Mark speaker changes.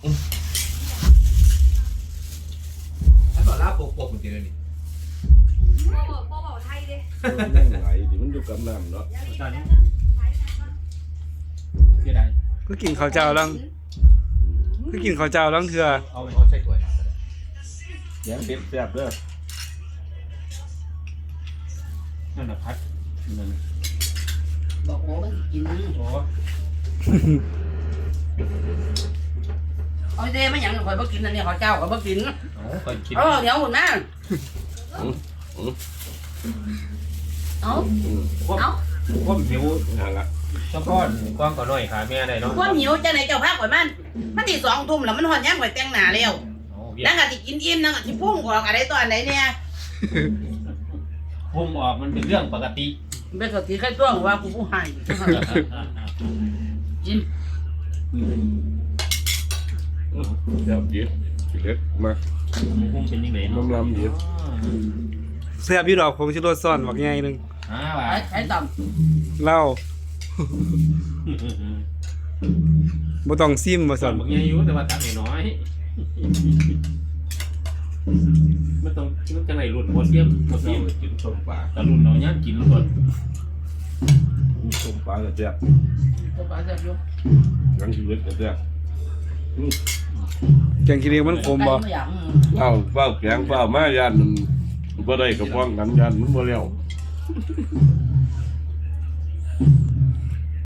Speaker 1: ถ้าบอกลาโปกมันจะเลยนี่
Speaker 2: บ่บอกไทยเด้
Speaker 3: ยังไหลดิมันอยู่กับน้ำเนาะ
Speaker 4: ตอนนี้เสียดาย
Speaker 5: ก็กินข้าวเจ้าลังก็กินข้าวเจ้าลังเถื่อ
Speaker 1: เอาใส่ถ้วย
Speaker 3: แยงเป็ดแซ่บเด้อ
Speaker 4: นั่นน่ะพัดนั่น
Speaker 6: บอกโอ้มันกิน
Speaker 4: โอ้
Speaker 6: เอาเด้ไม่หยังข่อยบ่กินอันนี้ข้าวเจ้าข่อยบ่กิน
Speaker 4: ก่อนคิด
Speaker 6: เดี๋ยวหุ่นมาเอา
Speaker 4: ผมหิว
Speaker 3: นั่นล่ะ
Speaker 4: เฉพาะกว้างก็น้อยขาแม่ได้เนาะ
Speaker 6: ความหิวจังไหนเจ้าพาข่อยมันที่2 ทุ่มแล้วมันฮอดยามข่อยแต่งหน้าแล้ว
Speaker 4: เวีย
Speaker 6: นั่งก็สิกินอิ่มนั่งก็สิพุ่งออกอะไรตอนไหนเนี่ย
Speaker 4: พุ่มออกมันเป็นเรื่องปกติ
Speaker 6: เป็นสติแค่ตัวว่ากูผู้ให้กิน
Speaker 3: แซ่บดีเล็กมา
Speaker 4: พุ่มเป็นยังไงเนาะ
Speaker 3: น้ำลำดี
Speaker 5: เสื้อพี่ดอกผงชูรสซ่อนบักใหญ่นึง
Speaker 4: ว่า
Speaker 6: ใช้ต่
Speaker 5: เหล้าบ่ต้องซิมบ่
Speaker 4: ส่
Speaker 5: ซั่
Speaker 4: วน
Speaker 5: น
Speaker 4: บางอย่างอยู่แต่ว่าตักน้อยมันต้องจังไหนรุ่นโมเสียม
Speaker 3: กินส้มปลา
Speaker 4: แต่รุ่นเราย่างกินรุ่น
Speaker 3: ส้มปลาก็แซ่บ
Speaker 6: ำตัวปลาแซ่บอยู่
Speaker 3: ยังชีวิตก็แซ่บ
Speaker 5: แกงขี้เหล็กมันขมบ่
Speaker 3: เฝ้าแกงเฝ้ามาย่านมันบ่ได้กับพ้องกันย่านมันบ่แล้ว